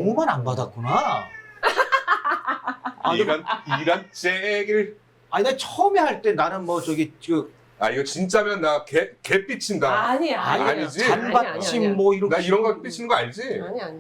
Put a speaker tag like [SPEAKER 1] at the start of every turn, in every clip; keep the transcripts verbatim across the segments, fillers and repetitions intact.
[SPEAKER 1] 너무만 안 받았구나. 아,
[SPEAKER 2] 이런 이런 째길.
[SPEAKER 1] 아니 나 처음에 할 때 나는 뭐 저기 그
[SPEAKER 2] 아 이거 진짜면 나 개 개 삐친다.
[SPEAKER 3] 아니야, 아니야.
[SPEAKER 2] 아니지?
[SPEAKER 1] 잔받침 뭐 이렇게
[SPEAKER 2] 나 이런 거 삐치는 거 알지?
[SPEAKER 3] 아니 아니.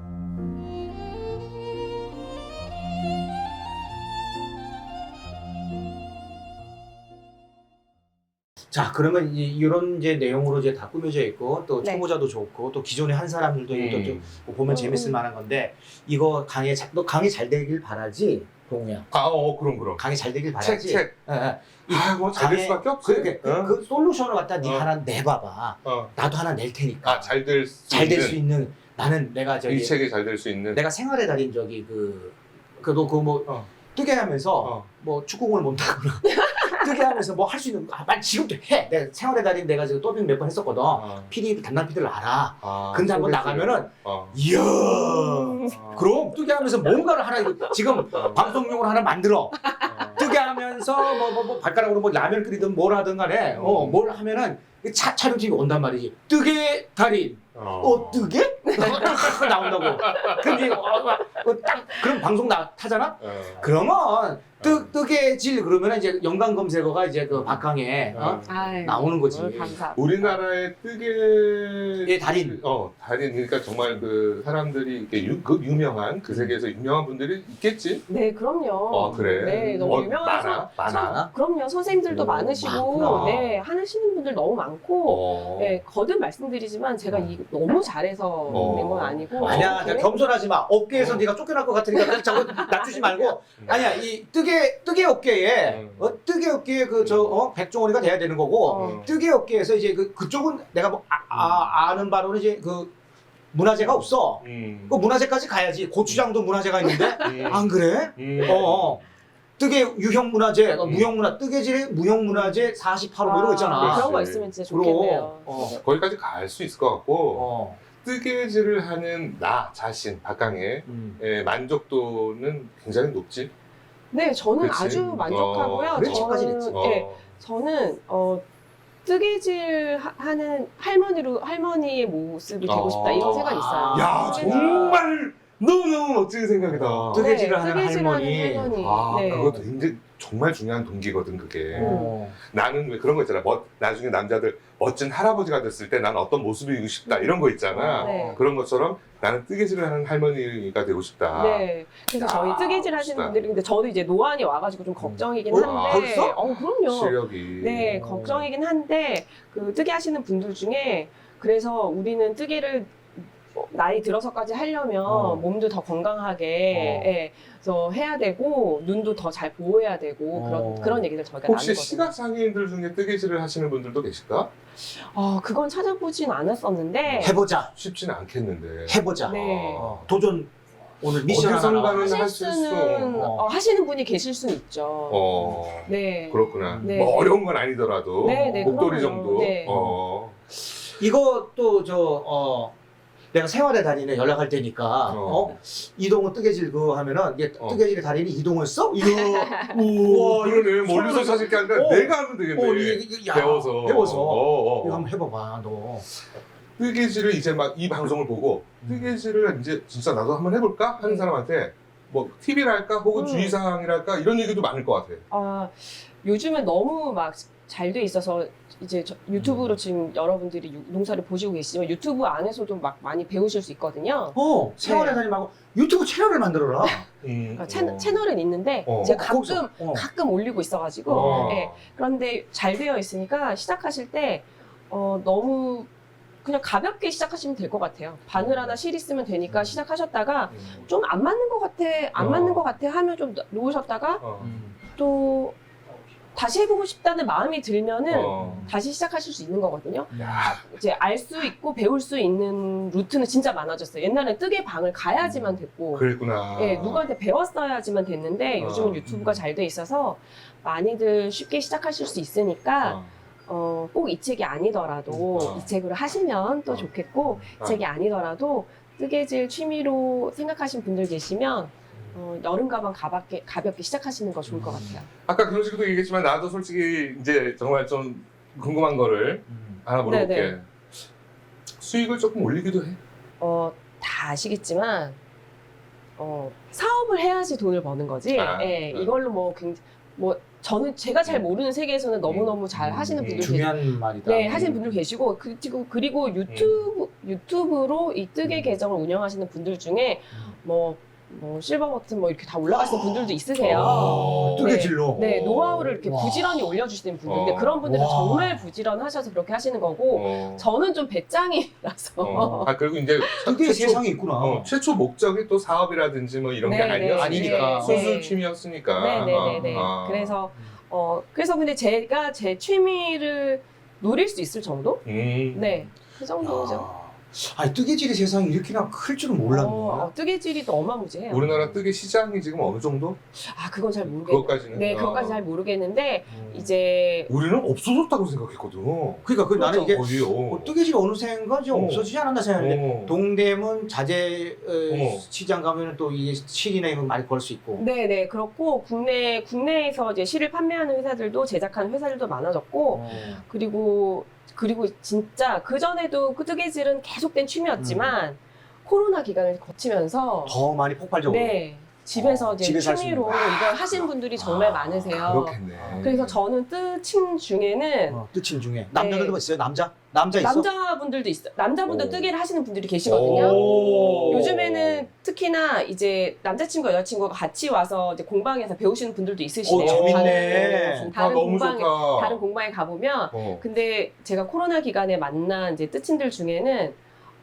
[SPEAKER 1] 자 그러면 이- 이런 이제 내용으로 이제 다 꾸며져 있고 또
[SPEAKER 3] 네.
[SPEAKER 1] 초보자도 좋고 또 기존에 한 사람들도 이것도
[SPEAKER 2] 음.
[SPEAKER 1] 좀 보면
[SPEAKER 3] 음,
[SPEAKER 1] 재밌을
[SPEAKER 3] 음.
[SPEAKER 1] 만한 건데 이거 강의 잘, 너 강의 잘 되길 바라지 동우야.
[SPEAKER 2] 아, 어, 그럼 그럼.
[SPEAKER 1] 강의 잘 되길
[SPEAKER 2] 책,
[SPEAKER 1] 바라지.
[SPEAKER 2] 책.
[SPEAKER 1] 예, 예.
[SPEAKER 2] 아, 뭐 잘 될
[SPEAKER 1] 강의-
[SPEAKER 2] 수밖에 없지.
[SPEAKER 1] 그렇게 그,
[SPEAKER 2] 어?
[SPEAKER 1] 그 솔루션을 갖다 네
[SPEAKER 2] 어.
[SPEAKER 1] 하나 내봐봐.
[SPEAKER 2] 어.
[SPEAKER 1] 나도 하나 낼 테니까.
[SPEAKER 2] 아, 잘 될 수
[SPEAKER 1] 잘 될
[SPEAKER 2] 있는.
[SPEAKER 1] 수 있는 나는 내가 저기
[SPEAKER 2] 이 책이 잘 될 수 있는.
[SPEAKER 1] 내가 생활의 달인 저기 그 그너 그뭐
[SPEAKER 2] 어.
[SPEAKER 1] 뜨게 하면서
[SPEAKER 2] 어.
[SPEAKER 1] 뭐 축구공을 못하거나 뜨게 하면서 뭐 할 수 있는 아, 빨리 지금도 해. 내가 생활의 달인 내가 지금 더빙 몇 번 했었거든.
[SPEAKER 2] 어.
[SPEAKER 1] 피디 담당 피디를 알아.
[SPEAKER 2] 아,
[SPEAKER 1] 근데 한번
[SPEAKER 2] 소개팅.
[SPEAKER 1] 나가면은
[SPEAKER 2] 어.
[SPEAKER 1] 이야.
[SPEAKER 3] 음.
[SPEAKER 2] 어.
[SPEAKER 1] 그럼 뜨게 하면서 뭔가를 하나 이거 지금
[SPEAKER 2] 어.
[SPEAKER 1] 방송용으로 하나 만들어.
[SPEAKER 2] 어.
[SPEAKER 1] 뜨게 하면서 뭐 뭐 뭐 발가락으로 뭐 라면 끓이든 뭘 하든 간에 어
[SPEAKER 2] 음.
[SPEAKER 1] 뭘 하면은 차 촬영팀이 온단 말이지. 뜨게 달인.
[SPEAKER 2] 어.
[SPEAKER 1] 어 뜨게? 나온다고. 근데 어, 어, 어, 딱 그럼 방송 나 타잖아.
[SPEAKER 2] 어.
[SPEAKER 1] 그러면 뜨
[SPEAKER 2] 어.
[SPEAKER 1] 뜨게질 그러면 이제 연관 검색어가 이제 그 박강에 어?
[SPEAKER 2] 어.
[SPEAKER 3] 아유,
[SPEAKER 1] 나오는 거지.
[SPEAKER 3] 오늘 감사.
[SPEAKER 2] 우리나라의 뜨개
[SPEAKER 1] 예, 달인.
[SPEAKER 2] 어 달인 그러니까 정말 그 사람들이 이렇게 유, 그 유명한 그 세계에서 유명한 분들이 있겠지.
[SPEAKER 3] 네, 그럼요.
[SPEAKER 2] 어 그래.
[SPEAKER 3] 네, 너무
[SPEAKER 2] 어,
[SPEAKER 3] 유명한 선-
[SPEAKER 2] 많아.
[SPEAKER 1] 많아.
[SPEAKER 3] 그럼요. 선생님들도
[SPEAKER 2] 오,
[SPEAKER 3] 많으시고,
[SPEAKER 1] 많구나.
[SPEAKER 3] 네, 하시는 분들 너무 많고,
[SPEAKER 2] 어.
[SPEAKER 3] 네, 거듭 말씀드리지만 제가 이 너무 잘해서
[SPEAKER 2] 어.
[SPEAKER 3] 된 건 아니고.
[SPEAKER 1] 아니야,
[SPEAKER 3] 그래?
[SPEAKER 1] 겸손하지 마. 업계에서
[SPEAKER 2] 어.
[SPEAKER 1] 네가 쫓겨날 것 같으니까 자꾸 낮추지 말고.
[SPEAKER 2] 음.
[SPEAKER 1] 아니야, 이 뜨개 뜨개 업계에
[SPEAKER 2] 음.
[SPEAKER 1] 어, 뜨개 업계에 그 저 어, 백종원이가 돼야 되는 거고.
[SPEAKER 3] 어.
[SPEAKER 1] 뜨개 업계에서 이제 그 그쪽은 내가 뭐 아, 아, 아는 바로는 이제 그 문화재가 없어.
[SPEAKER 2] 음.
[SPEAKER 1] 그 문화재까지 가야지. 고추장도 문화재가 있는데
[SPEAKER 2] 음.
[SPEAKER 1] 안 그래?
[SPEAKER 2] 음.
[SPEAKER 1] 어. 어. 뜨개 유형 문화재, 어,
[SPEAKER 2] 음.
[SPEAKER 1] 무형 문화, 뜨개질의 무형 문화재 사십팔 호 이런 거 있잖아.
[SPEAKER 3] 그런 거
[SPEAKER 2] 그렇지.
[SPEAKER 3] 있으면 진짜
[SPEAKER 1] 그럼.
[SPEAKER 3] 좋겠네요.
[SPEAKER 1] 어.
[SPEAKER 2] 거기까지 갈 수 있을 것 같고
[SPEAKER 1] 어.
[SPEAKER 2] 뜨개질을 하는 나 자신 박강의
[SPEAKER 1] 음.
[SPEAKER 2] 의 만족도는 굉장히 높지.
[SPEAKER 3] 네, 저는
[SPEAKER 2] 그치?
[SPEAKER 3] 아주 만족하고요.
[SPEAKER 2] 어,
[SPEAKER 1] 그래, 지금까지 됐지.
[SPEAKER 2] 어.
[SPEAKER 3] 네, 저는 어, 뜨개질 하- 하는 할머니로 할머니의 모습이 되고 싶다 이런
[SPEAKER 2] 어.
[SPEAKER 3] 생각이 있어요.
[SPEAKER 2] 야
[SPEAKER 3] 뜨개질-
[SPEAKER 2] 정말 너무너무 멋진 생각이다.
[SPEAKER 1] 어. 뜨개질을 하는
[SPEAKER 3] 뜨개질하는
[SPEAKER 1] 할머니.
[SPEAKER 3] 할머니.
[SPEAKER 2] 아
[SPEAKER 3] 네.
[SPEAKER 2] 그것도 굉장히 정말 중요한 동기거든 그게.
[SPEAKER 1] 어.
[SPEAKER 2] 나는 왜 그런 거 있잖아. 멋, 나중에 남자들 멋진 할아버지가 됐을 때 난 어떤 모습이고 싶다 이런 거 있잖아.
[SPEAKER 3] 네.
[SPEAKER 2] 그런 것처럼 나는 뜨개질을 하는 할머니가 되고 싶다.
[SPEAKER 3] 네. 그래서
[SPEAKER 2] 야,
[SPEAKER 3] 저희 뜨개질 하시는
[SPEAKER 2] 멋있다.
[SPEAKER 3] 분들이 근데 저도 이제 노안이 와가지고 좀 걱정이긴
[SPEAKER 1] 어?
[SPEAKER 3] 한데.
[SPEAKER 1] 벌써?
[SPEAKER 3] 어, 그럼요.
[SPEAKER 2] 실력이.
[SPEAKER 3] 네,
[SPEAKER 1] 어.
[SPEAKER 3] 걱정이긴 한데 그 뜨개 하시는 분들 중에 그래서 우리는 뜨개를 뭐 나이 들어서까지 하려면
[SPEAKER 1] 어.
[SPEAKER 3] 몸도 더 건강하게
[SPEAKER 1] 어.
[SPEAKER 3] 예, 그래서 해야 되고 눈도 더 잘 보호해야 되고
[SPEAKER 1] 어.
[SPEAKER 3] 그런 그런 얘기들 저희가
[SPEAKER 2] 혹시
[SPEAKER 3] 나누거든요.
[SPEAKER 2] 시각 장애인들 중에 뜨개질을 하시는 분들도 계실까?
[SPEAKER 3] 어, 그건 찾아보진 않았었는데
[SPEAKER 1] 해보자.
[SPEAKER 2] 쉽지는 않겠는데.
[SPEAKER 1] 해보자.
[SPEAKER 3] 네.
[SPEAKER 1] 어, 도전 오늘 미션 하나
[SPEAKER 2] 어디선가는
[SPEAKER 1] 나와.
[SPEAKER 3] 하실
[SPEAKER 2] 하실 수.
[SPEAKER 3] 수는
[SPEAKER 1] 어.
[SPEAKER 3] 어, 하시는 분이 계실 수는 있죠.
[SPEAKER 2] 어.
[SPEAKER 3] 네.
[SPEAKER 2] 그렇구나.
[SPEAKER 3] 네.
[SPEAKER 2] 뭐 어려운 건 아니더라도
[SPEAKER 3] 네, 네,
[SPEAKER 2] 목도리
[SPEAKER 3] 그럼요.
[SPEAKER 2] 정도.
[SPEAKER 3] 네.
[SPEAKER 2] 어.
[SPEAKER 1] 이것도 저 어. 내가 생활의 달인에 연락할 테니까
[SPEAKER 2] 어.
[SPEAKER 1] 어? 이동훈 뜨개질 그거 하면은 이게
[SPEAKER 2] 어.
[SPEAKER 1] 뜨개질의 달인이 이동훈 써? 이거
[SPEAKER 2] 우와 이러네. 멀리서 사실 게 아니라
[SPEAKER 1] 어.
[SPEAKER 2] 내가 하면 되겠네.
[SPEAKER 1] 어, 이게, 이게, 야,
[SPEAKER 2] 배워서.
[SPEAKER 1] 배워서
[SPEAKER 2] 어, 어.
[SPEAKER 1] 이거 한번 해봐봐 너.
[SPEAKER 2] 뜨개질을 이제 막 이 방송을 보고 뜨개질을 이제 진짜 나도 한번 해볼까 하는
[SPEAKER 3] 음.
[SPEAKER 2] 사람한테 뭐 팁이랄까 혹은
[SPEAKER 3] 음.
[SPEAKER 2] 주의사항이랄까 이런 얘기도 많을 것 같아.
[SPEAKER 3] 아, 요즘은 너무 막 잘 돼 있어서 이제 저- 유튜브로 지금 여러분들이 유- 농사를 보시고 계시지만 유튜브 안에서도 막 많이 배우실 수 있거든요.
[SPEAKER 1] 어 생활의
[SPEAKER 3] 네.
[SPEAKER 1] 달인 말고 유튜브 채널을 만들어라.
[SPEAKER 2] 음,
[SPEAKER 3] 어, 채,
[SPEAKER 2] 어.
[SPEAKER 3] 채널은 있는데
[SPEAKER 2] 어.
[SPEAKER 3] 제가
[SPEAKER 1] 어, 거기서,
[SPEAKER 3] 가끔
[SPEAKER 1] 어.
[SPEAKER 3] 가끔 올리고 있어가지고
[SPEAKER 2] 어.
[SPEAKER 3] 예. 그런데 잘 되어 있으니까 시작하실 때 어, 너무 그냥 가볍게 시작하시면 될 것 같아요. 바늘 하나 실 있으면 되니까 시작하셨다가
[SPEAKER 2] 음.
[SPEAKER 3] 좀 안 맞는 것 같아, 안
[SPEAKER 2] 어.
[SPEAKER 3] 맞는 것 같아 하면 좀 놓으셨다가
[SPEAKER 2] 어.
[SPEAKER 1] 음.
[SPEAKER 3] 또 다시 해보고 싶다는 마음이 들면은
[SPEAKER 2] 어.
[SPEAKER 3] 다시 시작하실 수 있는 거거든요.
[SPEAKER 2] 야,
[SPEAKER 3] 이제 알 수 있고 배울 수 있는 루트는 진짜 많아졌어요. 옛날에 뜨개 방을 가야지만 됐고,
[SPEAKER 2] 그랬구나.
[SPEAKER 3] 예, 누구한테 배웠어야지만 됐는데
[SPEAKER 2] 어.
[SPEAKER 3] 요즘은 유튜브가 잘 돼 있어서 많이들 쉽게 시작하실 수 있으니까
[SPEAKER 2] 어.
[SPEAKER 3] 어, 꼭 이 책이 아니더라도
[SPEAKER 2] 어.
[SPEAKER 3] 이 책으로 하시면 또
[SPEAKER 2] 어.
[SPEAKER 3] 좋겠고
[SPEAKER 2] 어.
[SPEAKER 3] 이 책이 아니더라도 뜨개질 취미로 생각하신 분들 계시면 어, 여름 가방 가볍게, 가볍게 시작하시는 거 좋을 것 같아요.
[SPEAKER 2] 아까 그런 식으로 얘기했지만 나도 솔직히 이제 정말 좀 궁금한 거를
[SPEAKER 1] 음.
[SPEAKER 2] 하나 물어볼게.
[SPEAKER 3] 네네.
[SPEAKER 2] 수익을 조금 올리기도 해.
[SPEAKER 3] 어, 다 아시겠지만 어, 사업을 해야지 돈을 버는 거지.
[SPEAKER 2] 아,
[SPEAKER 3] 예,
[SPEAKER 2] 음.
[SPEAKER 3] 이걸로 뭐 굉장히 뭐 저는 제가 잘 모르는 세계에서는 너무 너무 잘 하시는
[SPEAKER 2] 음,
[SPEAKER 3] 분들 계시,
[SPEAKER 1] 중요한 말이다.
[SPEAKER 3] 네 하시는 분들 계시고 그- 그리고 그리고 유튜브 유튜브로 이 뜨개
[SPEAKER 1] 음.
[SPEAKER 3] 계정을 운영하시는 분들 중에
[SPEAKER 1] 음.
[SPEAKER 3] 뭐 뭐 실버 버튼 뭐 이렇게 다 올라가시는 분들도 있으세요.
[SPEAKER 2] 어.
[SPEAKER 1] 뜨개질로.
[SPEAKER 3] 네, 노하우를 이렇게
[SPEAKER 1] 와.
[SPEAKER 3] 부지런히 올려주시는 분들인데
[SPEAKER 2] 어.
[SPEAKER 3] 그런 분들은
[SPEAKER 1] 와.
[SPEAKER 3] 정말 부지런하셔서 그렇게 하시는 거고
[SPEAKER 2] 어.
[SPEAKER 3] 저는 좀 배짱이라서
[SPEAKER 2] 어. 아 그리고 이제
[SPEAKER 1] 뜨개
[SPEAKER 2] 최초-
[SPEAKER 1] 세상이 있구나.
[SPEAKER 2] 어, 최초 목적이 또 사업이라든지 뭐 이런 게
[SPEAKER 3] 네, 네,
[SPEAKER 2] 아니었으니까
[SPEAKER 1] 아니니까.
[SPEAKER 2] 순수
[SPEAKER 3] 네.
[SPEAKER 2] 취미였으니까.
[SPEAKER 3] 네네네네.
[SPEAKER 2] 아, 아.
[SPEAKER 3] 그래서 어 그래서 근데 제가 제 취미를 노릴 수 있을 정도?
[SPEAKER 2] 음.
[SPEAKER 3] 네, 그 정도죠.
[SPEAKER 1] 야. 아니 뜨개질의 세상이 이렇게나 클 줄은 몰랐네.
[SPEAKER 3] 어, 뜨개질이 또 어마무지해요.
[SPEAKER 2] 우리나라 뜨개 시장이 지금 어느 정도?
[SPEAKER 3] 아 그건 잘 모르겠.
[SPEAKER 2] 그것까지는.
[SPEAKER 3] 네,
[SPEAKER 2] 어.
[SPEAKER 3] 그것까지 잘 모르겠는데
[SPEAKER 1] 음.
[SPEAKER 3] 이제
[SPEAKER 2] 우리는 없어졌다고 생각했거든.
[SPEAKER 1] 그러니까 그 나는 이게
[SPEAKER 2] 거의요.
[SPEAKER 1] 뭐 뜨개질 어느샌가 좀
[SPEAKER 2] 어.
[SPEAKER 1] 없어지지 않았나 생각했는데
[SPEAKER 2] 어.
[SPEAKER 1] 동대문 자재 어,
[SPEAKER 2] 어.
[SPEAKER 1] 시장 가면은 또 이게 실이나 이런 거 많이 걸 수 있고.
[SPEAKER 3] 네, 네 그렇고 국내 국내에서 이제 실을 판매하는 회사들도 제작하는 회사들도 많아졌고
[SPEAKER 1] 어.
[SPEAKER 3] 그리고 그리고 진짜 그 전에도 그 뜨개질은 계속된 취미였지만 코로나 기간을 거치면서
[SPEAKER 1] 더 많이 폭발적으로.
[SPEAKER 3] 네 집에서
[SPEAKER 1] 어,
[SPEAKER 3] 이제
[SPEAKER 1] 집에서 할수
[SPEAKER 3] 취미로
[SPEAKER 1] 있는 거.
[SPEAKER 3] 이걸 하신 분들이 정말
[SPEAKER 2] 아,
[SPEAKER 3] 많으세요.
[SPEAKER 2] 그렇겠네.
[SPEAKER 3] 그래서 저는 뜨친 중에는
[SPEAKER 1] 어, 뜨친 중에 남자들도 있어요. 남자? 남자 있어?
[SPEAKER 3] 남자분들도 있어. 남자분들
[SPEAKER 2] 오.
[SPEAKER 3] 뜨개를 하시는 분들이 계시거든요.
[SPEAKER 1] 오.
[SPEAKER 3] 요즘에는 특히나 이제 남자친구 여자친구가 같이 와서 이제 공방에서 배우시는 분들도 있으시네요.
[SPEAKER 1] 오, 재밌네.
[SPEAKER 3] 다른,
[SPEAKER 2] 좋다,
[SPEAKER 3] 다른
[SPEAKER 2] 너무
[SPEAKER 3] 공방에
[SPEAKER 2] 좋다.
[SPEAKER 3] 다른 공방에 가보면
[SPEAKER 2] 어.
[SPEAKER 3] 근데 제가 코로나 기간에 만난 이제 뜨친들 중에는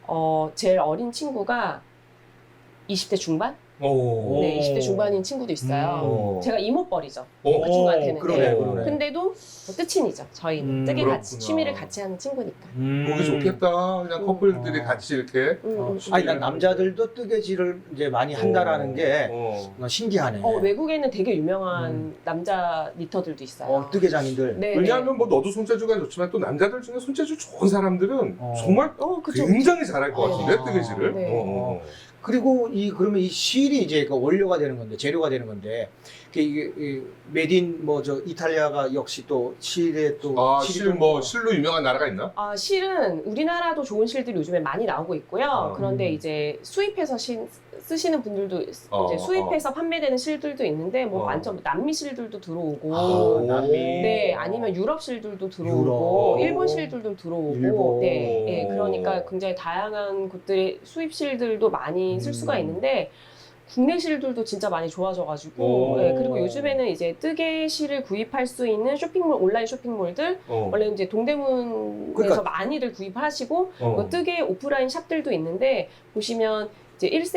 [SPEAKER 3] 어 제일 어린 친구가 이십 대 중반?
[SPEAKER 2] 오.
[SPEAKER 3] 네, 이십 대 중반인 친구도 있어요.
[SPEAKER 2] 오.
[SPEAKER 3] 제가 이모뻘이죠.
[SPEAKER 2] 어.
[SPEAKER 3] 그 친구한테는.
[SPEAKER 1] 그러네,
[SPEAKER 2] 네.
[SPEAKER 1] 그러네.
[SPEAKER 3] 근데도 뭐 뜨친이죠. 저희는
[SPEAKER 1] 음,
[SPEAKER 3] 뜨개 같이
[SPEAKER 2] 그렇구나.
[SPEAKER 3] 취미를 같이 하는 친구니까.
[SPEAKER 1] 음.
[SPEAKER 2] 보기 좋겠다. 그냥
[SPEAKER 3] 음.
[SPEAKER 2] 커플들이
[SPEAKER 1] 어.
[SPEAKER 2] 같이 이렇게.
[SPEAKER 3] 음,
[SPEAKER 1] 어.
[SPEAKER 3] 음,
[SPEAKER 1] 아니
[SPEAKER 3] 음.
[SPEAKER 1] 난 남자들도 뜨개질을 이제 많이 한다라는 게
[SPEAKER 2] 어.
[SPEAKER 1] 어, 신기하네.
[SPEAKER 3] 어, 외국에는 되게 유명한
[SPEAKER 1] 음.
[SPEAKER 3] 남자 니터들도 있어요.
[SPEAKER 1] 어, 뜨개장인들.
[SPEAKER 3] 네.
[SPEAKER 2] 왜냐하면 뭐 너도 손재주가 좋지만 또 남자들 중에 손재주 좋은 사람들은
[SPEAKER 1] 어.
[SPEAKER 2] 정말
[SPEAKER 3] 어, 그쵸.
[SPEAKER 2] 굉장히 잘할 것
[SPEAKER 1] 네.
[SPEAKER 2] 같은데 뜨개질을.
[SPEAKER 3] 네.
[SPEAKER 2] 어, 어.
[SPEAKER 1] 그리고 이 그러면 이 실이 이제 그 원료가 되는 건데 재료가 되는 건데 이게 이게 메딘 뭐 저 이탈리아가 역시 또 실에 또
[SPEAKER 2] 아,
[SPEAKER 1] 실이
[SPEAKER 2] 실
[SPEAKER 1] 또
[SPEAKER 2] 뭐 실로 유명한 나라가 있나?
[SPEAKER 3] 아, 실은 우리나라도 좋은 실들이 요즘에 많이 나오고 있고요.
[SPEAKER 2] 어.
[SPEAKER 3] 그런데
[SPEAKER 1] 음.
[SPEAKER 3] 이제 수입해서 신, 쓰시는 분들도 있-
[SPEAKER 2] 어,
[SPEAKER 3] 이제 수입해서 판매되는 실들도 있는데 뭐
[SPEAKER 2] 어.
[SPEAKER 3] 완전 남미 실들도 들어오고
[SPEAKER 1] 아, 남미.
[SPEAKER 3] 네, 아니면 유럽 실들도 들어오고
[SPEAKER 1] 유럽.
[SPEAKER 3] 일본 실들도 들어오고
[SPEAKER 1] 일본.
[SPEAKER 3] 네, 네, 그러니까 굉장히 다양한 곳들의 수입 실들도 많이 쓸 수가
[SPEAKER 1] 음.
[SPEAKER 3] 있는데 국내 실들도 진짜 많이 좋아져가지고
[SPEAKER 2] 오.
[SPEAKER 3] 네, 그리고 요즘에는 이제 뜨개 실을 구입할 수 있는 쇼핑몰 온라인 쇼핑몰들
[SPEAKER 2] 어.
[SPEAKER 3] 원래 이제 동대문에서
[SPEAKER 1] 그러니까-
[SPEAKER 3] 많이들 구입하시고
[SPEAKER 2] 어.
[SPEAKER 3] 뭐 뜨개 오프라인 샵들도 있는데 보시면 이제 일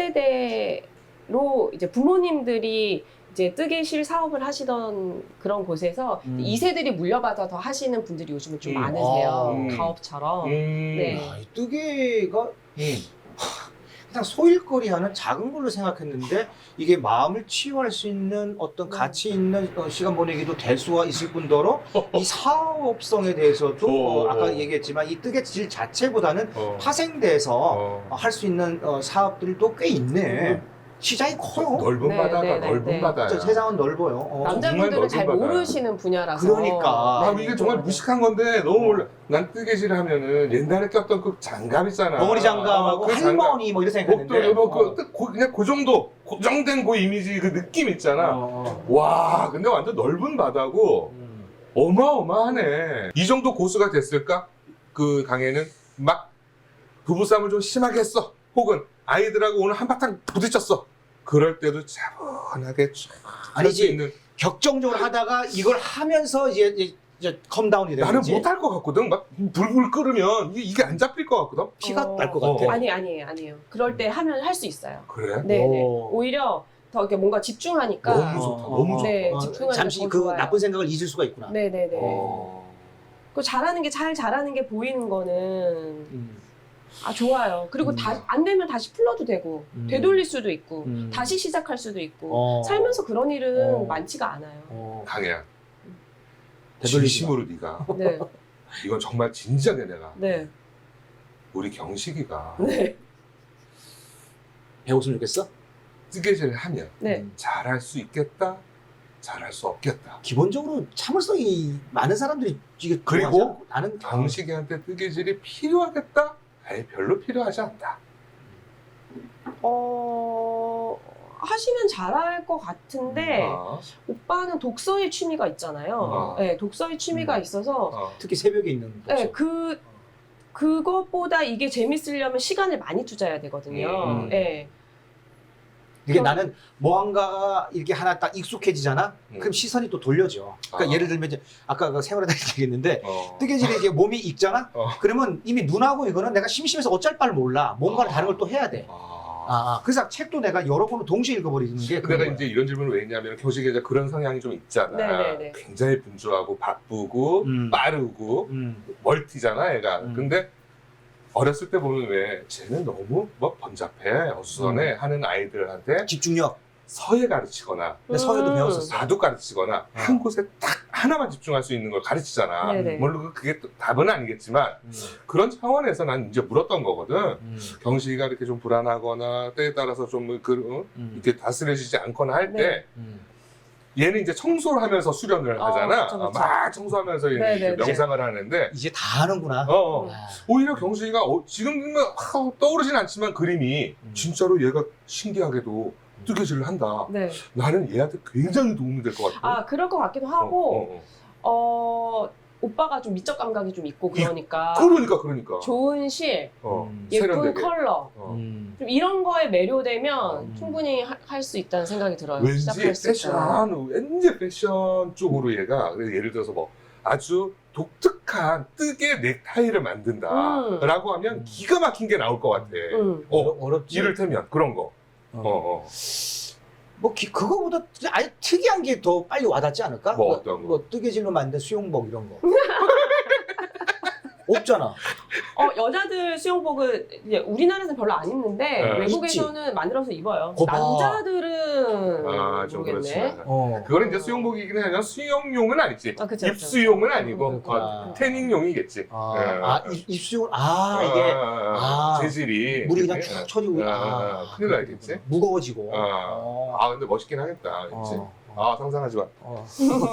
[SPEAKER 3] 세대로 이제 부모님들이 이제 뜨개실 사업을 하시던 그런 곳에서
[SPEAKER 1] 음.
[SPEAKER 3] 이 세들이 물려받아서 하시는 분들이 요즘에 좀
[SPEAKER 2] 음.
[SPEAKER 3] 많으세요.
[SPEAKER 1] 음.
[SPEAKER 3] 가업처럼.
[SPEAKER 2] 음.
[SPEAKER 3] 네.
[SPEAKER 1] 아, 이 뜨개가
[SPEAKER 2] 음.
[SPEAKER 1] 그냥 소일거리 하는 작은 걸로 생각했는데 이게 마음을 치유할 수 있는 어떤
[SPEAKER 3] 음.
[SPEAKER 1] 가치 있는 어, 시간 보내기도 될 수가 있을 뿐더러 이 사업성에 대해서도 어,
[SPEAKER 2] 어.
[SPEAKER 1] 아까 얘기했지만 이 뜨개질 자체보다는
[SPEAKER 2] 어.
[SPEAKER 1] 파생돼서
[SPEAKER 2] 어.
[SPEAKER 1] 할 수 있는 어, 사업들도 꽤 있네. 시장이 커요.
[SPEAKER 2] 넓은
[SPEAKER 3] 네,
[SPEAKER 2] 바다가
[SPEAKER 3] 네, 네,
[SPEAKER 2] 넓은
[SPEAKER 3] 네.
[SPEAKER 2] 바다야.
[SPEAKER 1] 진짜 세상은 넓어요. 어.
[SPEAKER 3] 남자분들은 잘
[SPEAKER 2] 넓은 바다야.
[SPEAKER 3] 모르시는 분야라서.
[SPEAKER 1] 그러니까.
[SPEAKER 2] 아,
[SPEAKER 3] 네,
[SPEAKER 2] 이게
[SPEAKER 3] 네,
[SPEAKER 2] 정말
[SPEAKER 3] 네.
[SPEAKER 2] 무식한 건데 너무 몰라. 난 뜨개질 하면은 옛날에 꼈던 그 장갑 있잖아.
[SPEAKER 1] 덩어리 장갑하고
[SPEAKER 2] 아, 그 장갑.
[SPEAKER 1] 할머니 뭐 이런
[SPEAKER 2] 목도리
[SPEAKER 1] 생각했는데.
[SPEAKER 2] 뭐 그, 그, 고- 그냥 그 정도 고정된 그 이미지 그 느낌 있잖아.
[SPEAKER 1] 어, 어.
[SPEAKER 2] 와, 근데 완전 넓은 바다고
[SPEAKER 1] 음.
[SPEAKER 2] 어마어마하네. 이 정도 고수가 됐을까? 그 강에는 막 부부싸움을 좀 심하게 했어. 혹은 아이들하고 오늘 한바탕 부딪혔어. 그럴 때도 차분하게 쫙 할 수
[SPEAKER 1] 아니지.
[SPEAKER 2] 있는.
[SPEAKER 1] 격정적으로 하다가 이걸 하면서 이제 이제, 이제 컴다운이 되는
[SPEAKER 2] 나는
[SPEAKER 1] 거지.
[SPEAKER 2] 못할 것 같거든. 막 불불 끓으면 이게, 이게 안 잡힐 것 같거든.
[SPEAKER 1] 피가
[SPEAKER 3] 어.
[SPEAKER 1] 날 것
[SPEAKER 2] 어.
[SPEAKER 1] 같아.
[SPEAKER 3] 아니 아니에요, 아니에요. 그럴 때 하면 할 수 있어요.
[SPEAKER 2] 그래?
[SPEAKER 3] 네네.
[SPEAKER 1] 오.
[SPEAKER 3] 오히려 더 이렇게 뭔가 집중하니까.
[SPEAKER 2] 너무 좋다. 너무 좋다.
[SPEAKER 3] 네,
[SPEAKER 1] 어,
[SPEAKER 3] 집중하니까
[SPEAKER 1] 잠시
[SPEAKER 3] 더
[SPEAKER 1] 그
[SPEAKER 3] 좋아요.
[SPEAKER 1] 나쁜 생각을 잊을 수가 있구나.
[SPEAKER 3] 네네네.
[SPEAKER 2] 어.
[SPEAKER 3] 그 잘하는 게 잘 잘하는 게 보이는 거는
[SPEAKER 1] 음.
[SPEAKER 3] 아 좋아요. 그리고
[SPEAKER 1] 음.
[SPEAKER 3] 다 안 되면 다시 풀러도 되고
[SPEAKER 1] 음.
[SPEAKER 3] 되돌릴 수도 있고
[SPEAKER 1] 음.
[SPEAKER 3] 다시 시작할 수도 있고
[SPEAKER 1] 어.
[SPEAKER 3] 살면서 그런 일은
[SPEAKER 1] 어.
[SPEAKER 3] 많지가 않아요.
[SPEAKER 1] 어.
[SPEAKER 2] 강혜야.
[SPEAKER 1] 되돌리지
[SPEAKER 2] 진심으로 네가
[SPEAKER 3] 네,
[SPEAKER 2] 이건 정말 진지하게 내가
[SPEAKER 3] 네,
[SPEAKER 2] 우리 경식이가
[SPEAKER 3] 네,
[SPEAKER 1] 배웠으면 좋겠어?
[SPEAKER 2] 뜨개질을 하면
[SPEAKER 3] 네.
[SPEAKER 1] 음.
[SPEAKER 2] 잘할 수 있겠다, 잘할 수 없겠다.
[SPEAKER 1] 기본적으로 참을성이 많은 사람들이 이게
[SPEAKER 2] 그리고
[SPEAKER 1] 좋아하지 않고 나는
[SPEAKER 2] 경식이한테 뜨개질이 필요하겠다? 아예 별로 필요하지 않다.
[SPEAKER 3] 어 하시면 잘할 것 같은데
[SPEAKER 2] 아,
[SPEAKER 3] 오빠는 독서의 취미가 있잖아요.
[SPEAKER 2] 아.
[SPEAKER 3] 네, 독서의 취미가
[SPEAKER 1] 음.
[SPEAKER 3] 있어서
[SPEAKER 2] 아.
[SPEAKER 1] 특히 새벽에 있는
[SPEAKER 3] 네,
[SPEAKER 1] 독서.
[SPEAKER 3] 그 그것보다 이게 재밌으려면 시간을 많이 투자해야 되거든요.
[SPEAKER 2] 음.
[SPEAKER 3] 네.
[SPEAKER 1] 이게
[SPEAKER 3] 그럼-
[SPEAKER 1] 나는 뭐한가 이렇게 하나 딱 익숙해지잖아.
[SPEAKER 2] 음.
[SPEAKER 1] 그럼 시선이 또 돌려져. 그러니까
[SPEAKER 2] 아.
[SPEAKER 1] 예를 들면 이제 아까 그 세월에 다시 얘기했는데
[SPEAKER 2] 어.
[SPEAKER 1] 뜨개질에 이제 몸이 익잖아.
[SPEAKER 2] 어.
[SPEAKER 1] 그러면 이미 눈하고 이거는 내가 심심해서 어쩔 바를 몰라. 뭔가를
[SPEAKER 2] 아.
[SPEAKER 1] 다른 걸 또 해야 돼.
[SPEAKER 2] 아.
[SPEAKER 1] 아, 아. 그래서 책도 내가 여러 권을 동시에 읽어버리는 게 그런
[SPEAKER 2] 내가
[SPEAKER 1] 거야.
[SPEAKER 2] 이제 이런 질문을 왜 했냐면 교식에 이제 그런 성향이 좀 있잖아.
[SPEAKER 3] 네네네.
[SPEAKER 2] 굉장히 분주하고 바쁘고
[SPEAKER 1] 음.
[SPEAKER 2] 빠르고
[SPEAKER 1] 음.
[SPEAKER 2] 멀티잖아, 얘가.
[SPEAKER 1] 음.
[SPEAKER 2] 근데 어렸을 때 보면 왜 쟤는 너무 뭐 번잡해, 어수선해 하는 아이들한테
[SPEAKER 1] 집중력.
[SPEAKER 2] 서예 가르치거나
[SPEAKER 1] 근데 서예도
[SPEAKER 3] 음.
[SPEAKER 1] 배웠었어.
[SPEAKER 2] 바둑 가르치거나 한 곳에 딱 하나만 집중할 수 있는 걸 가르치잖아.
[SPEAKER 3] 네네.
[SPEAKER 2] 물론 그게 또 답은 아니겠지만
[SPEAKER 1] 음.
[SPEAKER 2] 그런 차원에서 난 이제 물었던 거거든.
[SPEAKER 1] 음.
[SPEAKER 2] 경식이가 이렇게 좀 불안하거나 때에 따라서 좀 그, 어?
[SPEAKER 1] 음.
[SPEAKER 2] 이렇게 다스려지지 않거나 할 때
[SPEAKER 3] 네.
[SPEAKER 1] 음.
[SPEAKER 2] 얘는 이제 청소를 하면서 수련을
[SPEAKER 3] 어,
[SPEAKER 2] 하잖아.
[SPEAKER 3] 그쵸, 그쵸.
[SPEAKER 2] 막 청소하면서 이제
[SPEAKER 3] 네네네.
[SPEAKER 2] 명상을 하는데
[SPEAKER 1] 이제 다 하는구나.
[SPEAKER 2] 어, 어.
[SPEAKER 1] 아.
[SPEAKER 2] 오히려 경식이가 어, 지금은 하, 떠오르진 않지만 그림이
[SPEAKER 1] 음.
[SPEAKER 2] 진짜로 얘가 신기하게도 뜨개질을 한다.
[SPEAKER 3] 네.
[SPEAKER 2] 나는 얘한테 굉장히 도움이 될 것 같아.
[SPEAKER 3] 아, 그럴 것 같기도
[SPEAKER 2] 어,
[SPEAKER 3] 하고,
[SPEAKER 2] 어, 어.
[SPEAKER 3] 어, 오빠가 좀 미적 감각이 좀 있고 그러니까
[SPEAKER 2] 그러니까 그러니까.
[SPEAKER 3] 좋은 실,
[SPEAKER 2] 어,
[SPEAKER 1] 음.
[SPEAKER 3] 예쁜
[SPEAKER 2] 세련되게.
[SPEAKER 3] 컬러,
[SPEAKER 2] 어.
[SPEAKER 1] 음.
[SPEAKER 3] 좀 이런 거에 매료되면
[SPEAKER 1] 음.
[SPEAKER 3] 충분히 할 수 있다는 생각이 들어요.
[SPEAKER 2] 왠지
[SPEAKER 3] 시작할 수 있다.
[SPEAKER 2] 패션, 왠지 패션 쪽으로 얘가 그래서 예를 들어서 뭐 아주 독특한 뜨개 넥타이를 만든다라고 하면
[SPEAKER 1] 음.
[SPEAKER 2] 기가 막힌 게 나올 것 같아.
[SPEAKER 3] 음.
[SPEAKER 2] 어,
[SPEAKER 1] 어렵지.
[SPEAKER 2] 이를테면 그런 거.
[SPEAKER 1] 어.
[SPEAKER 2] 어, 어.
[SPEAKER 1] 뭐 기- 그거보다 아예 특이한 게 더 빨리 와닿지 않을까?
[SPEAKER 2] 뭐 어떤 거?
[SPEAKER 1] 뭐 뜨개질로 만든 수영복 이런 거. 없잖아.
[SPEAKER 3] 어, 여자들 수영복은 이제 우리나라에서는 별로 안 입는데
[SPEAKER 2] 네.
[SPEAKER 3] 외국에서는 만들어서 입어요.
[SPEAKER 1] 거봐.
[SPEAKER 3] 남자들은
[SPEAKER 2] 아, 좀
[SPEAKER 3] 모르겠네.
[SPEAKER 2] 그렇지.
[SPEAKER 1] 어.
[SPEAKER 2] 그거는 이제 수영복이긴 하지만 수영용은 아니지.
[SPEAKER 3] 아, 그쵸, 그쵸.
[SPEAKER 2] 입수용은 아니고
[SPEAKER 1] 그렇구나.
[SPEAKER 2] 어, 태닝용이겠지.
[SPEAKER 1] 아,
[SPEAKER 2] 예.
[SPEAKER 1] 아 입- 입수용 아 이게
[SPEAKER 2] 아,
[SPEAKER 1] 아,
[SPEAKER 2] 재질이
[SPEAKER 1] 물이 그냥
[SPEAKER 2] 그치?
[SPEAKER 1] 쭉 쳐지고
[SPEAKER 2] 아,
[SPEAKER 1] 아,
[SPEAKER 2] 큰일 나겠지?
[SPEAKER 1] 무거워지고.
[SPEAKER 2] 아,
[SPEAKER 1] 어.
[SPEAKER 2] 아 근데 멋있긴 하겠다. 그치?
[SPEAKER 1] 어.
[SPEAKER 2] 아 상상하지 마.
[SPEAKER 1] 어.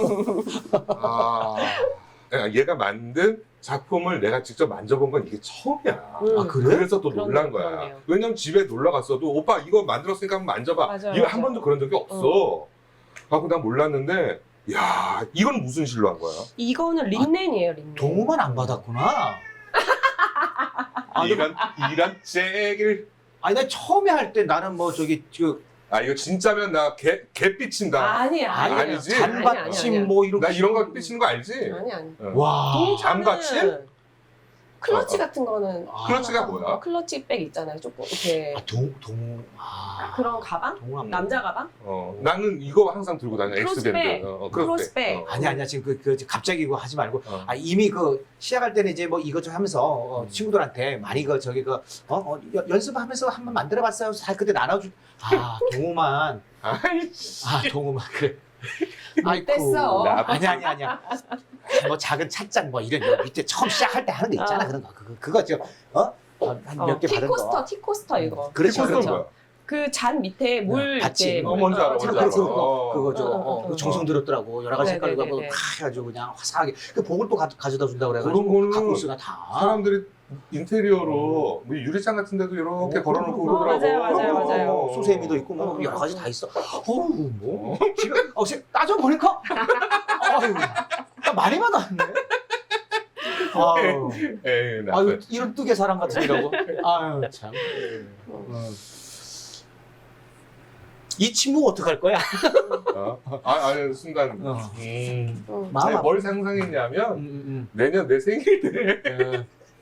[SPEAKER 2] 아, 야, 얘가 만든 작품을 내가 직접 만져본 건 이게 처음이야.
[SPEAKER 3] 음.
[SPEAKER 1] 아 그래?
[SPEAKER 2] 그래서 또
[SPEAKER 3] 그러네요,
[SPEAKER 2] 놀란 거야.
[SPEAKER 3] 그러네요.
[SPEAKER 2] 왜냐면 집에 놀러 갔어도 오빠 이거 만들었으니까 한번 만져봐.
[SPEAKER 3] 맞아요,
[SPEAKER 2] 이거
[SPEAKER 3] 맞아요.
[SPEAKER 2] 한 번도 그런 적이 없어. 하고 난 몰랐는데, 야 이건 무슨 실로 한 거야?
[SPEAKER 3] 이거는 린넨이에요, 린넨.
[SPEAKER 1] 동호만 안 받았구나. 아,
[SPEAKER 2] 이런 이런 잭을.
[SPEAKER 1] 아니 나 처음에 할 때 나는 뭐 저기 그
[SPEAKER 2] 아 이거 진짜면 나개 개삐친다.
[SPEAKER 3] 아니, 아니,
[SPEAKER 2] 아니, 아니지?
[SPEAKER 1] 잔받침 뭐 이렇게
[SPEAKER 2] 나 이런 거 삐치는 거 알지?
[SPEAKER 3] 아니, 아니.
[SPEAKER 2] 어.
[SPEAKER 1] 와.
[SPEAKER 2] 잔받침?
[SPEAKER 3] 클러치
[SPEAKER 2] 어, 어.
[SPEAKER 3] 같은 거는
[SPEAKER 1] 아.
[SPEAKER 2] 클러치가 뭐야?
[SPEAKER 3] 클러치 백 있잖아요. 조금 이렇게
[SPEAKER 1] 아, 동 동호. 아.
[SPEAKER 3] 그런 가방?
[SPEAKER 1] 동호
[SPEAKER 3] 남자 가방?
[SPEAKER 2] 어, 나는 이거 항상 들고 다녀.
[SPEAKER 3] 크로스백.
[SPEAKER 2] 엑스밴드. 어, 어,
[SPEAKER 3] 크로스백.
[SPEAKER 2] 어.
[SPEAKER 1] 아니 아니야 지금 그, 그 갑자기 이거 하지 말고
[SPEAKER 2] 어.
[SPEAKER 1] 아 이미 그 시작할 때는 이제 뭐 이것 좀 하면서 어,
[SPEAKER 2] 음.
[SPEAKER 1] 친구들한테 많이 그 저기 그 어, 어, 연- 연습하면서 한번 만들어봤어요. 잘 그때 나눠주. 아 동호만
[SPEAKER 2] 아이씨.
[SPEAKER 1] 아 동호만 그래.
[SPEAKER 3] 못됐어.
[SPEAKER 2] 나-
[SPEAKER 1] 아니 아니 아니야. 뭐 작은 찻잔 뭐 이런 거 밑에 처음 시작할 때 하는 거 있잖아
[SPEAKER 3] 어.
[SPEAKER 1] 그런 거 그거 그거 지금 어? 한 몇 개
[SPEAKER 3] 어,
[SPEAKER 1] 받은
[SPEAKER 3] 티코스터,
[SPEAKER 1] 거.
[SPEAKER 3] 티코스터 이거.
[SPEAKER 1] 그렇죠
[SPEAKER 2] 티코스터는
[SPEAKER 1] 그렇죠.
[SPEAKER 2] 뭐야?
[SPEAKER 3] 그 잔 밑에 물
[SPEAKER 1] 받침.
[SPEAKER 3] 이렇게
[SPEAKER 2] 어, 뭔지 알아,
[SPEAKER 3] 어,
[SPEAKER 2] 뭔지
[SPEAKER 3] 잔
[SPEAKER 2] 알아.
[SPEAKER 3] 받침.
[SPEAKER 1] 그거
[SPEAKER 2] 어.
[SPEAKER 1] 그거죠.
[SPEAKER 3] 어, 어,
[SPEAKER 1] 어,
[SPEAKER 3] 어,
[SPEAKER 1] 그거
[SPEAKER 3] 어.
[SPEAKER 1] 정성 들었더라고 여러 가지 색깔
[SPEAKER 3] 네네네네.
[SPEAKER 1] 가지고 팍 해가지고 그냥 화사하게 그 복을 또 가, 가져다 준다고
[SPEAKER 2] 그런
[SPEAKER 1] 그래가지고
[SPEAKER 2] 거는
[SPEAKER 1] 갖고 있으나 다.
[SPEAKER 2] 사람들이 인테리어로 뭐 유리창 같은 데도 이렇게
[SPEAKER 1] 어,
[SPEAKER 2] 걸어놓고
[SPEAKER 1] 어,
[SPEAKER 2] 그러더라고.
[SPEAKER 3] 맞아요, 맞아요, 맞아요.
[SPEAKER 1] 어, 수세미도 있고 뭐
[SPEAKER 3] 어,
[SPEAKER 1] 여러 가지
[SPEAKER 3] 어.
[SPEAKER 1] 다 있어. 어우 뭐 지금 어 세- 따져보니까 아유 나 많이 받았네. 아유,
[SPEAKER 2] 에이, 나.
[SPEAKER 1] 아유 이런 뜨개 사람 같으라고. 아유 참. 어. 이 친구 어떡할 거야?
[SPEAKER 2] 어? 아, 아니, 순간.
[SPEAKER 1] 어.
[SPEAKER 2] 음.
[SPEAKER 3] 어.
[SPEAKER 1] 마음
[SPEAKER 2] 내가
[SPEAKER 1] 아파.
[SPEAKER 2] 뭘 상상했냐면,
[SPEAKER 1] 음, 음,
[SPEAKER 2] 내년 내 생일 때,
[SPEAKER 1] 음.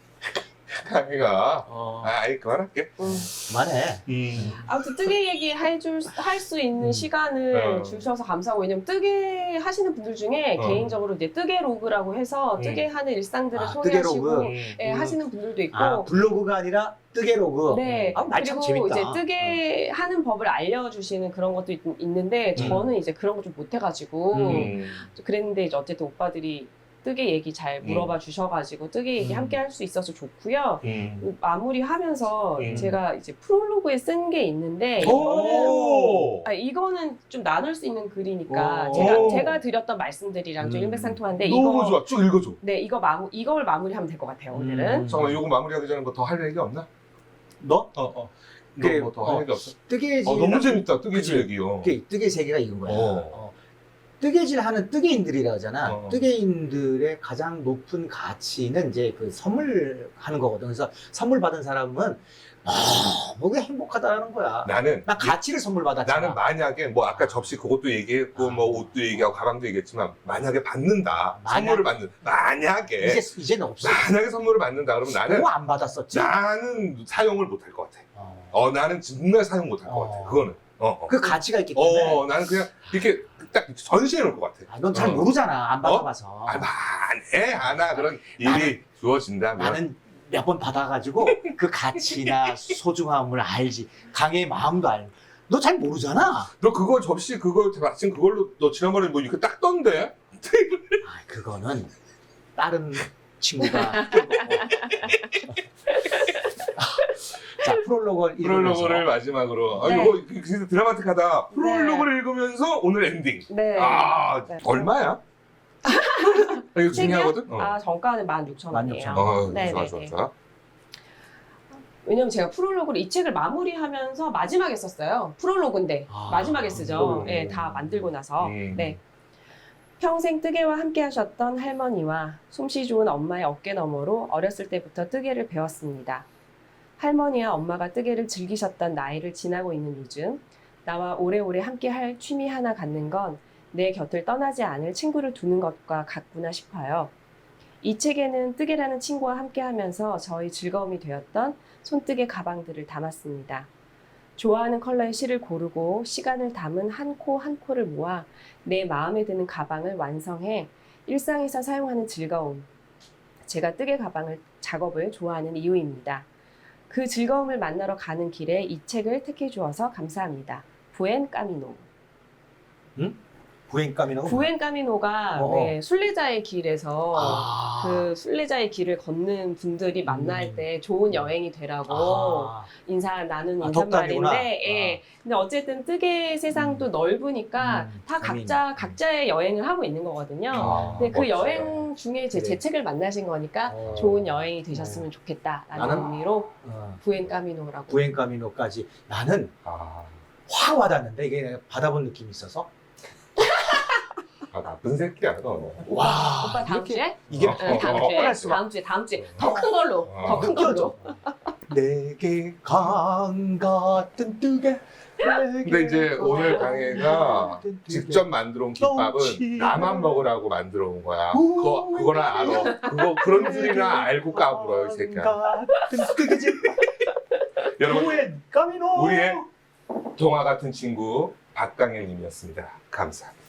[SPEAKER 2] 강희가,
[SPEAKER 1] 어,
[SPEAKER 2] 아, 아이, 그만할게.
[SPEAKER 3] 음.
[SPEAKER 1] 그만해.
[SPEAKER 2] 음.
[SPEAKER 3] 아무튼 뜨개 얘기 해줄 할 수 있는
[SPEAKER 1] 음.
[SPEAKER 3] 시간을
[SPEAKER 2] 어.
[SPEAKER 3] 주셔서 감사하고 왜냐면 뜨개 하시는 분들 중에
[SPEAKER 2] 어.
[SPEAKER 3] 개인적으로 이제 뜨개 로그라고 해서
[SPEAKER 2] 음.
[SPEAKER 3] 뜨개 하는 일상들을
[SPEAKER 1] 아, 뜨개
[SPEAKER 3] 소개하시고
[SPEAKER 1] 로그.
[SPEAKER 3] 예,
[SPEAKER 1] 음.
[SPEAKER 3] 하시는 분들도 있고
[SPEAKER 1] 아 블로그가 아니라 뜨개 로그.
[SPEAKER 3] 네.
[SPEAKER 1] 아, 말참
[SPEAKER 3] 그리고
[SPEAKER 1] 재밌다.
[SPEAKER 3] 이제 뜨개 하는 법을 알려주시는 그런 것도 있, 는데
[SPEAKER 2] 음.
[SPEAKER 3] 저는 이제 그런 거 좀 못해가지고
[SPEAKER 2] 음.
[SPEAKER 3] 그랬는데 이제 어쨌든 오빠들이 뜨개 얘기 잘 물어봐 주셔가지고 뜨개 얘기
[SPEAKER 1] 음.
[SPEAKER 3] 함께 할 수 있어서 좋고요.
[SPEAKER 2] 음.
[SPEAKER 3] 마무리하면서
[SPEAKER 2] 음.
[SPEAKER 3] 제가 이제 프롤로그에 쓴 게 있는데 이거는
[SPEAKER 2] 오!
[SPEAKER 3] 아, 이거는 좀 나눌 수 있는 글이니까
[SPEAKER 1] 오.
[SPEAKER 3] 제가 제가 드렸던 말씀들이랑 좀
[SPEAKER 1] 음.
[SPEAKER 3] 일맥상통한데
[SPEAKER 2] 너무
[SPEAKER 3] 이거
[SPEAKER 2] 좋아. 쭉 읽어줘.
[SPEAKER 3] 네 이거 마무 이걸 마무리하면 될 것 같아요 오늘은.
[SPEAKER 1] 음.
[SPEAKER 2] 잠깐만, 요거 마무리하기 전에 뭐 더 할 얘기 없나?
[SPEAKER 1] 너?
[SPEAKER 2] 어, 어.
[SPEAKER 1] 그래,
[SPEAKER 2] 너뭐더할
[SPEAKER 1] 어,
[SPEAKER 2] 얘기 없어?
[SPEAKER 1] 뜨개질.
[SPEAKER 2] 어, 너무 재밌다. 뜨개질
[SPEAKER 1] 그치?
[SPEAKER 2] 얘기요.
[SPEAKER 1] 그게 뜨개 세계가 이건 거야.
[SPEAKER 2] 어.
[SPEAKER 1] 어. 뜨개질 하는 뜨개인들이라 하잖아.
[SPEAKER 2] 어.
[SPEAKER 1] 뜨개인들의 가장 높은 가치는 이제 그 선물 하는 거거든. 그래서 선물 받은 사람은 너무 행복하다는 거야.
[SPEAKER 2] 나는
[SPEAKER 1] 나 가치를 선물 받았잖아.
[SPEAKER 2] 나는 만약에 뭐 아까 접시 그것도 얘기했고
[SPEAKER 1] 아.
[SPEAKER 2] 뭐 옷도 얘기하고 가방도 얘기했지만 만약에 받는다
[SPEAKER 1] 만약-
[SPEAKER 2] 선물을 받는 만약에
[SPEAKER 1] 이제 이제는 없어.
[SPEAKER 2] 만약에 선물을 받는다 그러면 나는
[SPEAKER 1] 그거 안 받았었지.
[SPEAKER 2] 나는 사용을 못할 것 같아.
[SPEAKER 1] 어.
[SPEAKER 2] 어 나는 정말 사용 못할 것
[SPEAKER 1] 어.
[SPEAKER 2] 같아. 그거는. 어, 어.
[SPEAKER 1] 그 가치가 있기 때문에.
[SPEAKER 2] 어 나는 그냥 이렇게 딱 전시해 놓을 것 같아.
[SPEAKER 1] 넌 잘
[SPEAKER 2] 어.
[SPEAKER 1] 모르잖아. 안 받아봐서.
[SPEAKER 2] 아, 만에 하나 그런 일이
[SPEAKER 1] 나는-
[SPEAKER 2] 주어진다면
[SPEAKER 1] 나는 몇 번 받아가지고 그 가치나 소중함을 알지. 강의 마음도 알고. 너 잘 모르잖아.
[SPEAKER 2] 너 그거 접시 그거 마침 그걸로 너 지난번에 뭐 이렇게 닦던데?
[SPEAKER 1] 아, 그거는 다른 친구가 낀 거고. 자, 프롤로그를
[SPEAKER 2] 프롤로그를
[SPEAKER 1] 읽으면서
[SPEAKER 2] 마지막으로. 아,
[SPEAKER 3] 네.
[SPEAKER 2] 이거 진짜 드라마틱하다. 프롤로그를 읽으면서 오늘 엔딩.
[SPEAKER 3] 네.
[SPEAKER 2] 아,
[SPEAKER 3] 네.
[SPEAKER 2] 얼마야? 아, 이거 중요하거든? 어.
[SPEAKER 3] 아, 정가는 만 육천
[SPEAKER 1] 만
[SPEAKER 3] 원이에요.
[SPEAKER 1] 육천
[SPEAKER 2] 어,
[SPEAKER 3] 네,
[SPEAKER 2] 좋아,
[SPEAKER 3] 네,
[SPEAKER 2] 좋아,
[SPEAKER 3] 네.
[SPEAKER 2] 좋아.
[SPEAKER 3] 왜냐면 제가 프롤로그를 이 책을 마무리하면서 마지막에 썼어요. 프롤로그인데
[SPEAKER 1] 아,
[SPEAKER 3] 마지막에 쓰죠.
[SPEAKER 2] 음.
[SPEAKER 3] 예, 다 만들고 나서.
[SPEAKER 2] 음.
[SPEAKER 3] 네. 평생 뜨개와 함께 하셨던 할머니와 솜씨 좋은 엄마의 어깨 너머로 어렸을 때부터 뜨개를 배웠습니다. 할머니와 엄마가 뜨개를 즐기셨던 나이를 지나고 있는 요즘 나와 오래오래 함께 할 취미 하나 갖는 건 내 곁을 떠나지 않을 친구를 두는 것과 같구나 싶어요. 이 책에는 뜨개라는 친구와 함께 하면서 저희 즐거움이 되었던 손뜨개 가방들을 담았습니다. 좋아하는 컬러의 실을 고르고 시간을 담은 한 코 한 코를 모아 내 마음에 드는 가방을 완성해 일상에서 사용하는 즐거움. 제가 뜨개 가방을 작업을 좋아하는 이유입니다. 그 즐거움을 만나러 가는 길에 이 책을 택해 주어서 감사합니다. 부엔 까미노.
[SPEAKER 1] 부행감이라고.
[SPEAKER 3] 부엔 까미노가
[SPEAKER 1] 어.
[SPEAKER 3] 왜 순례자의 길에서
[SPEAKER 1] 아.
[SPEAKER 3] 그 순례자의 길을 걷는 분들이 만날
[SPEAKER 1] 음.
[SPEAKER 3] 때 좋은 여행이 되라고
[SPEAKER 1] 아.
[SPEAKER 3] 인사 나눈
[SPEAKER 1] 아, 덕담이구나.
[SPEAKER 3] 인사말인데, 예. 근데 어쨌든 뜨개 세상도
[SPEAKER 1] 음.
[SPEAKER 3] 넓으니까
[SPEAKER 1] 음,
[SPEAKER 3] 다
[SPEAKER 1] 재미있네.
[SPEAKER 3] 각자 각자의 여행을 하고 있는 거거든요.
[SPEAKER 2] 아,
[SPEAKER 3] 근데 그
[SPEAKER 2] 멋지다.
[SPEAKER 3] 여행 중에 제, 제
[SPEAKER 1] 그래.
[SPEAKER 3] 책을 만나신 거니까
[SPEAKER 1] 어.
[SPEAKER 3] 좋은 여행이 되셨으면 좋겠다라는
[SPEAKER 1] 나는-
[SPEAKER 3] 의미로
[SPEAKER 1] 어,
[SPEAKER 3] 부엔 까미노라고.
[SPEAKER 1] 부행감이노까지 나는
[SPEAKER 2] 아,
[SPEAKER 1] 확 와닿는데 이게 내가 받아본 느낌이 있어서
[SPEAKER 2] 아, 나쁜 새끼야, 너.
[SPEAKER 1] 와
[SPEAKER 3] 오빠 다음
[SPEAKER 1] 이렇게
[SPEAKER 3] 주에?
[SPEAKER 1] 이게
[SPEAKER 2] 어,
[SPEAKER 3] 응, 다음
[SPEAKER 2] 어,
[SPEAKER 3] 주에.
[SPEAKER 1] 뻔할 수가.
[SPEAKER 3] 다음 주에, 다음 주에. 더 큰 걸로.
[SPEAKER 2] 어.
[SPEAKER 3] 더 큰 걸로.
[SPEAKER 1] 느껴져. 내게 강 같은 뜨개.
[SPEAKER 2] 근데 이제 오늘 강혜가 직접 만들어 온 김밥은 나만 먹으라고 만들어 온 거야. 그거, 그거나 알아. 그거, 그런 줄이나 알고 까불어, 이 새끼야.
[SPEAKER 1] 같은 뜨개질.
[SPEAKER 2] 여러분,
[SPEAKER 1] 부행감이노.
[SPEAKER 2] 우리의 동화 같은 친구 박강현님이었습니다. 감사합니다.